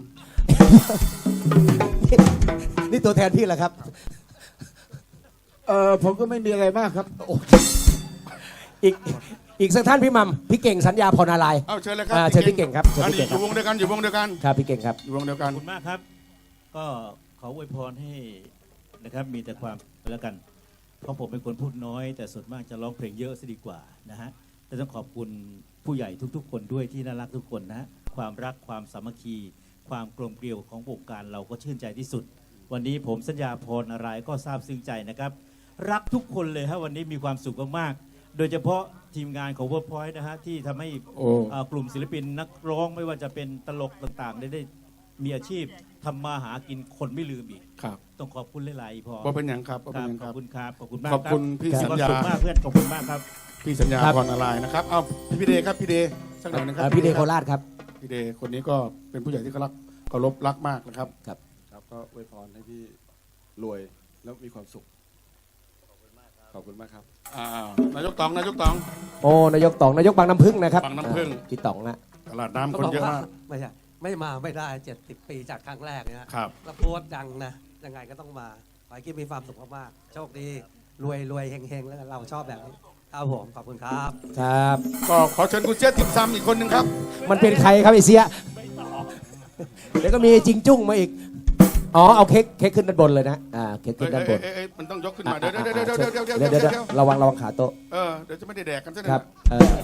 [SPEAKER 2] นี่ตัวแทนพี่เหรอครับ
[SPEAKER 6] เออผมก็ไม่มีอะไรมากครับ
[SPEAKER 2] อีกอีกสักท่านพี่หม่ำพี่เก่งสัญญาพรนารายณ์
[SPEAKER 7] เอาเชิญเลยครั
[SPEAKER 2] อ่าเชิญพี่เก่งครับเชิญ
[SPEAKER 7] อัน
[SPEAKER 2] พี่
[SPEAKER 7] นี้
[SPEAKER 2] เก่ง
[SPEAKER 7] อ
[SPEAKER 2] ครับ
[SPEAKER 7] ยู่วงเดียวกันอยู่วงเดียวกัน
[SPEAKER 2] ครับพี่เก่งครับ
[SPEAKER 7] อยู่วงเดียวกัน
[SPEAKER 12] ขอบคุณมากครับ ก็ขออวยพรให้นะครับมีแต่ความแล้วกัน เพราะผมเป็นคนพูดน้อย แต่ส่วนมากจะร้องเพลงเยอะซะดีกว่านะฮะแต่ต้องขอบคุณผู้ใหญ่ทุกๆ คนด้วยที่น่ารักทุกคนนะฮะความรักความสามัคคี ความกลมเกลียวของวงการเราก็ชื่นใจที่สุด วันนี้ผมสัญญาพรอะไรก็ซาบซึ้งใจนะครับ รักทุกคนเลยฮะวันนี้มีความสุขมากๆโดยเฉพาะทีมงานของ Workpoint นะฮะที่ทำให้
[SPEAKER 7] โอ้
[SPEAKER 12] อ่ากลุ่มศิลปินนักร้องไม่ว่าจะเป็นตลกต่างๆ ได้ได้มีอาชีพทำมาหากินคนไม่ลืมอีก
[SPEAKER 7] ครับ
[SPEAKER 12] ต้องขอบคุณหลายๆพอ
[SPEAKER 7] ว่าเป็นอย่างครับว่า
[SPEAKER 12] ค
[SPEAKER 7] เป็น
[SPEAKER 12] รับ
[SPEAKER 7] อย่าง
[SPEAKER 12] ข
[SPEAKER 7] ค
[SPEAKER 12] อ
[SPEAKER 7] รั
[SPEAKER 12] บบ คุณครับขอบคุณมาก
[SPEAKER 7] ขอบคุณ
[SPEAKER 12] รับ
[SPEAKER 7] พี่
[SPEAKER 12] มี
[SPEAKER 7] สัญ
[SPEAKER 12] ความ
[SPEAKER 7] ญา
[SPEAKER 12] สุขมากเพื่อนขอบคุณมากครับ
[SPEAKER 7] พี่สัญญา
[SPEAKER 2] ครับ
[SPEAKER 7] พรอะไรนะครับ เอาพี่เดครับพี่เดสักหน่อยนะครั
[SPEAKER 2] อ่าพี่เดโคราชครับ
[SPEAKER 7] พี่เดคนนี้ก็เป็นผู้ใหญ่ที่เขารักเคารพรักมากนะครับ
[SPEAKER 2] ครับ
[SPEAKER 13] ครับก็อวยพรให้พี่รวยแล้วมีความสุข ขอบคุณมากครับ ขอบคุณมากครับ
[SPEAKER 7] อ่านายกตองนายกตอง
[SPEAKER 2] โอ้นายกต๋องนายกบางน้ำพึ่งนะครับ
[SPEAKER 7] บางน้ำผึ้ง
[SPEAKER 2] อ่าพี่ต๋องนะ
[SPEAKER 7] ตลาดน้ำคนเยอะมาก
[SPEAKER 14] ไม่ใช่ไม่มาไม่ได้เจ็ดสิบปีจากครั้งแรกเนี่ย
[SPEAKER 7] ครับ
[SPEAKER 14] แล้วโพสต์ดังนะยังไงก็ต้องมาขอให้กิ๊บมีความสุขมากๆโชคดีรวยรวยเฮงเฮงแล้วกันเราชอบแบบนี้ครับผมขอบคุณครับ
[SPEAKER 2] ครับ
[SPEAKER 7] ก็ขอเชิญคุณเจี๊ยบติมซำอีกคนหนึ่งครับ
[SPEAKER 2] มันเป็นใครครับไอเสียเดี๋ยวก็มีจิงจุ้งมาอีกอ๋อเอาเค้กเค้กขึ้นด้านบนเลยนะอ่าเค้ก
[SPEAKER 7] เอ้
[SPEAKER 2] ขึ้
[SPEAKER 7] ย
[SPEAKER 2] นด้านบ
[SPEAKER 7] เอ้ย
[SPEAKER 2] น
[SPEAKER 7] เอ้ยเอ้ยมันต้องยกขึ้นมา
[SPEAKER 2] อ่ะ
[SPEAKER 7] เดี๋ยวเดี๋ยว
[SPEAKER 2] อ่ะ
[SPEAKER 7] เดี๋ยว
[SPEAKER 2] อ่ะ
[SPEAKER 7] เดี๋ยวเดี๋ยว
[SPEAKER 2] เดี๋
[SPEAKER 7] เดี๋
[SPEAKER 2] ย
[SPEAKER 7] ยว ว
[SPEAKER 2] เดี๋
[SPEAKER 7] เดี๋
[SPEAKER 2] ย
[SPEAKER 7] ยว ว
[SPEAKER 2] ระวังระวังขาโต๊ะ
[SPEAKER 7] เออเดี๋ยวจะไม่ได้แดกกันซะหน่
[SPEAKER 2] ค
[SPEAKER 7] อ
[SPEAKER 2] รั
[SPEAKER 7] ย
[SPEAKER 2] บ
[SPEAKER 7] นะ
[SPEAKER 2] เออ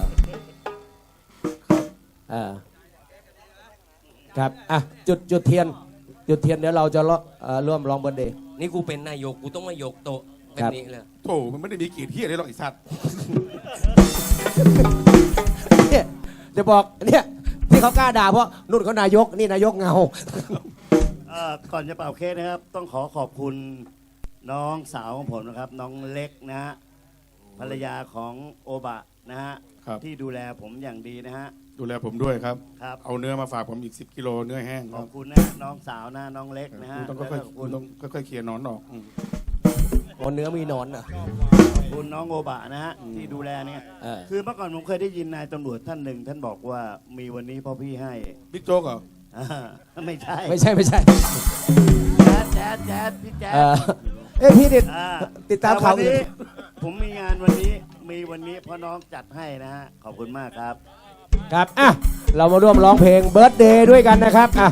[SPEAKER 2] เออครับอ่ะจุดจุดเทียน จุดเทียนเดี๋ยวเราจะร่วมเอ่อร่วมร้องเบิร์ธเดย์
[SPEAKER 1] นี่กูเป็นนายกกูต้องมายกโต๊ะแบ
[SPEAKER 2] ครับ บ
[SPEAKER 1] นี้เลย
[SPEAKER 7] โถมันไม่ได้มีกีดเฮียเลยหรอกไอ้สัตว์
[SPEAKER 2] เนี่ยจะบอกเนี่ยที่เขากล้าด่าเพราะนุ่นเขานายกนี่นายกเงา
[SPEAKER 5] เอ่อก่อนจะเป่าเค้กนะครับ ต้องขอขอบคุณน้องสาวของผมนะครับ น้องเล็กนะฮะภรรยาของโอบะนะฮะ
[SPEAKER 7] ครับ
[SPEAKER 5] ที่ดูแลผมอย่างดีนะฮะ
[SPEAKER 7] ดูแลผมด้วยครับ
[SPEAKER 5] ครับ
[SPEAKER 7] เอาเนื้อมาฝากผมอีกสิบกิโลเนื้อแห้งค
[SPEAKER 5] ข
[SPEAKER 7] รั
[SPEAKER 5] อ
[SPEAKER 7] บบ
[SPEAKER 5] คุณนะน้องสาวนะน้องเล็กนะฮะ
[SPEAKER 7] คุณต้อง
[SPEAKER 5] แล้ว
[SPEAKER 7] ค่
[SPEAKER 5] ก็
[SPEAKER 7] อย
[SPEAKER 5] ขอบ
[SPEAKER 7] ๆ
[SPEAKER 5] คุ
[SPEAKER 7] คุณ ณต้องค่อยๆเคลียร์หนอนออกอืม
[SPEAKER 2] โอ้เนื้อมีหนอนเหรอ
[SPEAKER 5] ขอบคุณน้องโอบะนะฮะที่ดูแลเนี่ย
[SPEAKER 2] เออ
[SPEAKER 5] คือเมื่อก่อนผมเคยได้ยินนายตำรวจท่านหนึ่ง ท่านบอกว่ามีวันนี้เพราะพี่ให้
[SPEAKER 7] บิ๊กโจ๊กเหรอ
[SPEAKER 5] อ่าไม่ใช่
[SPEAKER 2] ไม่ใช่ไม่ใช่
[SPEAKER 5] แจ๊ดแจ๊ดแจ๊ดพี่แจ๊ด
[SPEAKER 2] เออเอ้ยพี่ติด
[SPEAKER 5] อ่า
[SPEAKER 2] ติดตามข่าว
[SPEAKER 5] แต่
[SPEAKER 2] อื่
[SPEAKER 5] วัน
[SPEAKER 2] น
[SPEAKER 5] นี้ผมมีงานวันนี้มีวันนี้เพราะน้องจัดให้นะฮะขอบคุณมากครับ
[SPEAKER 2] ครับอ่ะเรามาร่วมร้องเพลงเบิร์ธเดย์ด้วยกันนะครับอ่ะ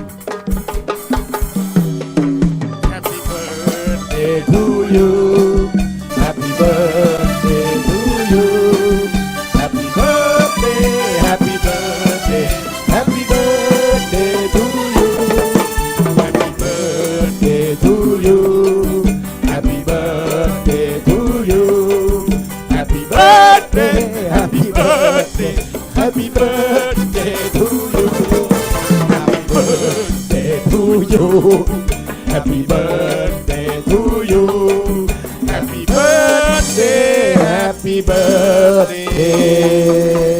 [SPEAKER 7] Happy birthday
[SPEAKER 2] Birthday to you Happy birthday to you Happy birthday Happy birthday Happy birthday to you Happy birthday to you Happy birthday to you Happy birthday Happy birthday Happy birthday to you Happy birthday to you Happy birthday to you Happy birthday Happy birthday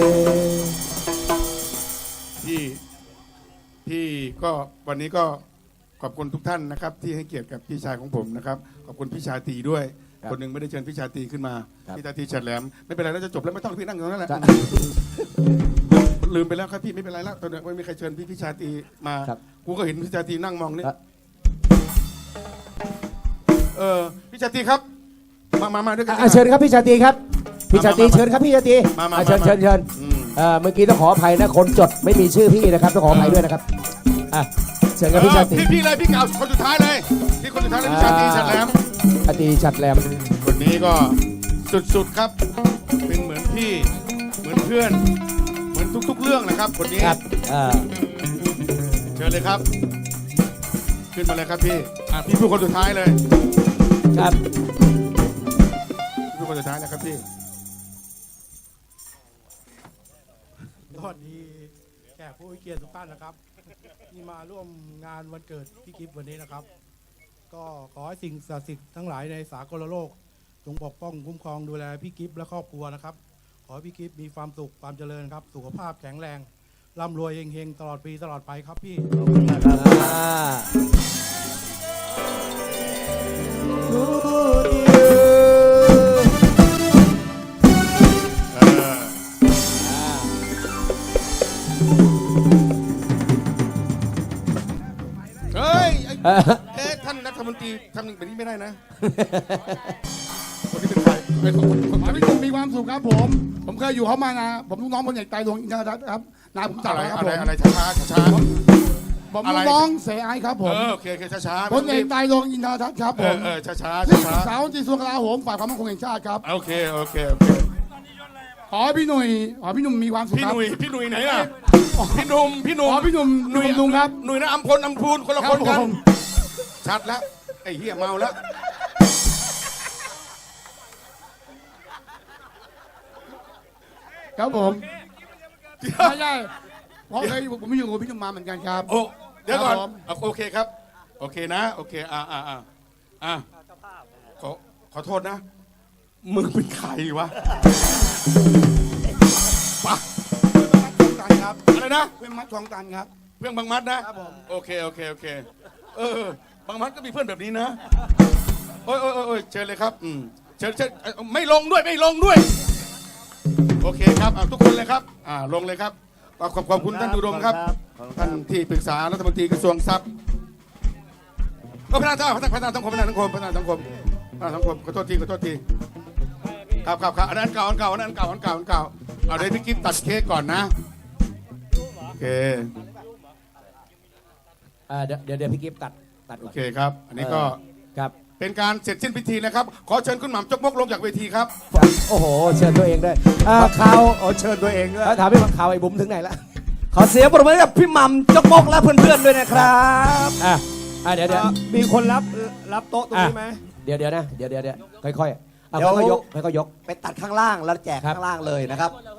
[SPEAKER 7] พี่พี่ก็วันนี้ก็ขอบคุณทุกท่านนะครับ ที่ให้เกียรติกับพี่ชายของผมนะครับ ขอบคุณพี่ชาตรีด้วย
[SPEAKER 2] ครับ
[SPEAKER 7] คนหนึ่งไม่ได้เชิญพี่ชาตรีขึ้นมา
[SPEAKER 2] ครับ
[SPEAKER 7] พี่ชาตรีฉัดแหลมไม่เป็นไรแล้วจะจบแล้วไม่ต้องพี่นั่งตรงนั้นแหละลืมไปแล้วครับพี่ไม่เป็นไรแล้วตอนนี้ไม่มีใครเชิญพี่พี่ชาตรีมากูก็เห็นพี่ชาตรีนั่งมองนี่เออพี่ชาตรีครับมามามาด้วยกัน
[SPEAKER 2] อ่ะเชิญครับพี่ชาตรีครับพี่ชาตรีเชิญครับพี่ชาตรี
[SPEAKER 7] มามา
[SPEAKER 2] อ่ะเชิญ
[SPEAKER 7] มา
[SPEAKER 2] เชิญเชิญ
[SPEAKER 7] อืม
[SPEAKER 2] เอ่อเมื่อกี้ต้องขออภัยนะคนจดไม่มีชื่อพี่นะครับต้องขออภัยด้วยนะครับอ่ะเชิญครับพี่ชาตรี
[SPEAKER 7] เออพี่พี่เลยพี่เก่าคนสุดท้ายเลยพี่คนสุดท้ายเลยพี่ชาตรีฉัดแหลม
[SPEAKER 2] ชาตรีฉัดแหลม
[SPEAKER 7] คนนี้ก็สุดๆครับ เป็นเหมือนพี่เหมือนเพื่อน เหมือนทุกๆเรื่องนะครับคนนี้
[SPEAKER 2] ครับอ่า
[SPEAKER 7] เชิญเลยครับ ขึ้นมาเลยครับพี่อ่ะพี่พูดคนสุดท้ายเลย
[SPEAKER 2] ครับ
[SPEAKER 7] พี่พูดคนสุดท้ายนะครับพี่
[SPEAKER 15] สวัสดีแขกผู้มีเกียรติทุกท่านนะครับ ที่มาร่วมงานวันเกิดพี่กิฟต์วันนี้นะครับ ก็ขอให้สิ่งศักดิ์สิทธิ์ทั้งหลายในสากลโลกจงปกป้องคุ้มครองดูแลพี่กิฟต์และครอบครัวนะครับ ขอให้พี่กิฟต์มีความสุขความเจริญครับ สุขภาพแข็งแรงร่ำรวยเฮงๆตลอดปีตลอดไปครับพี่
[SPEAKER 2] อ่า
[SPEAKER 7] เออเฮ้ยไอ้เอ๊ะท่านรัฐมนตรีทำแบบนี้ไม่ได้นะ คนนี้เป็นใครเป็นคนคนคน
[SPEAKER 6] ขอให้พี่หนุ่มมีความสุขครับผม ผมเคยอยู่เขามานะผมลูกน้องคนใหญ่ไตรดวงอินทรรัตน์ครับนาผมจับ
[SPEAKER 7] อะไร
[SPEAKER 6] ครับ
[SPEAKER 7] อะไร
[SPEAKER 6] ผม
[SPEAKER 7] อะไรช้าช้าช้า
[SPEAKER 6] ผม
[SPEAKER 7] อะไร
[SPEAKER 6] ลูกน้องเสไอครับผม
[SPEAKER 7] เออโอเคโอเคช้าช้า
[SPEAKER 6] คนใหญ่ไตรดวงอินทรรัตน์ครับ
[SPEAKER 7] เอ
[SPEAKER 6] ผ
[SPEAKER 7] อ
[SPEAKER 6] ม
[SPEAKER 7] เออช้าช้า
[SPEAKER 6] ที่
[SPEAKER 7] ช้า
[SPEAKER 6] ปรึกษา
[SPEAKER 7] ช้า
[SPEAKER 6] วันที่กระทรวงกลาโหมฝ่ายความมั่นคงแห่งชาติครับ
[SPEAKER 7] โอเคโอเคโอเค
[SPEAKER 6] ขอให้พี่หนุ่ยขอให้พี่หนุ่มมีความสุข
[SPEAKER 7] พี่
[SPEAKER 6] ครั
[SPEAKER 7] ห
[SPEAKER 6] บ
[SPEAKER 7] นุ่ยพี่หนุ่ยไหนล่ะพี่หนุ่มพี่หนุ่ม
[SPEAKER 6] ขอพี่หนุ่มหนุ่ยลุงครับ
[SPEAKER 7] หนุ่ยนะอัมพลอัมพูนคนละ
[SPEAKER 6] ครั
[SPEAKER 7] ค
[SPEAKER 6] บ
[SPEAKER 7] นกัน
[SPEAKER 6] ผม
[SPEAKER 7] ชัดแล้วไอ้เหี้ยเมาแล้ว
[SPEAKER 6] ครับผมไม่ใช่เพราะเคยผมไม่อยู่กับพี่หนุ่มมาเหมือนกันครับ
[SPEAKER 7] โอ้เดี๋ยวก่อน
[SPEAKER 6] ครับผม
[SPEAKER 7] เอาโอเคครับ โอเคนะ โอเคอ่าอ่าอ่าอ่าขอขอโทษนะ มึงเป็นใครวะปะ
[SPEAKER 6] ตันครับ
[SPEAKER 7] อะไรนะ
[SPEAKER 6] เป็นมัดทองตันครับ
[SPEAKER 7] เพื่อนบางมัดนะครับ
[SPEAKER 6] ผม
[SPEAKER 7] โอเคโอเคโอเคเออบางมัดก็มีเพื่อนแบบนี้นะโอ้ยโอ้ยโอ้ยโอ้ยเชิญเลยครับอืมเชิญเชิญเอ่อไม่ลงด้วยไม่ลงด้วย โอเคครับอ่ะทุกคนเลยครับอ่าลงเลยครับขอบขอบขอบคุณท่านอุดมครับ ท่านที่ปรึกษารัฐมนตรีกระทรวงทรัพย์ก็พัฒนาพัฒนาพัฒนาสังคมพัฒนาสังคมพัฒนาสังคมพัฒนาสังคมขอโทษทีขอโทษทีครับครับครับอันนั้นเก่าอันเก่าอันนั้นเก่าอันเก่าอันเก่าเอาเดี๋ยวพี่กิ๊ฟตัดเค้กก่อนนะโอเค
[SPEAKER 2] อ่าเดี๋ยวเดี๋ยวเดี๋ยวพี่กิฟต์ตัดตัด
[SPEAKER 7] โอ
[SPEAKER 2] ก่อน
[SPEAKER 7] เคครับ อันนี้ก็
[SPEAKER 2] ครับ
[SPEAKER 7] เป็นการเสร็จสิ้นพิธีนะครับ ขอเชิญคุณหม่ำจกมกลงจากเวทีครับ
[SPEAKER 2] โอ้โหเชิญตัวเองด้วยอ่าข่าว
[SPEAKER 6] โอ้เชิญตัวเองด้วย
[SPEAKER 2] ถามพี่ข่าวไอ้บุ๋มถึงไหนละ
[SPEAKER 14] ขอเสียงปรบมือให้กับพี่หม่ำจกมกและเพื่อนๆด้วยนะครับ
[SPEAKER 2] อ่ะอ่ะเดี๋ยวเดี๋ยว
[SPEAKER 14] มีคนรับรับโต๊ะตรงนี้ไหม
[SPEAKER 2] เดี๋ยวเดี๋ยวนะเดี๋ยวเดี๋ยวเดี๋ยวค่อยๆเอา
[SPEAKER 14] เดี๋ยว
[SPEAKER 2] ค่อยๆยกค่อยๆยก
[SPEAKER 14] ไปตัดข้างล่างแล้วแจกข้างล่างเลยนะครับ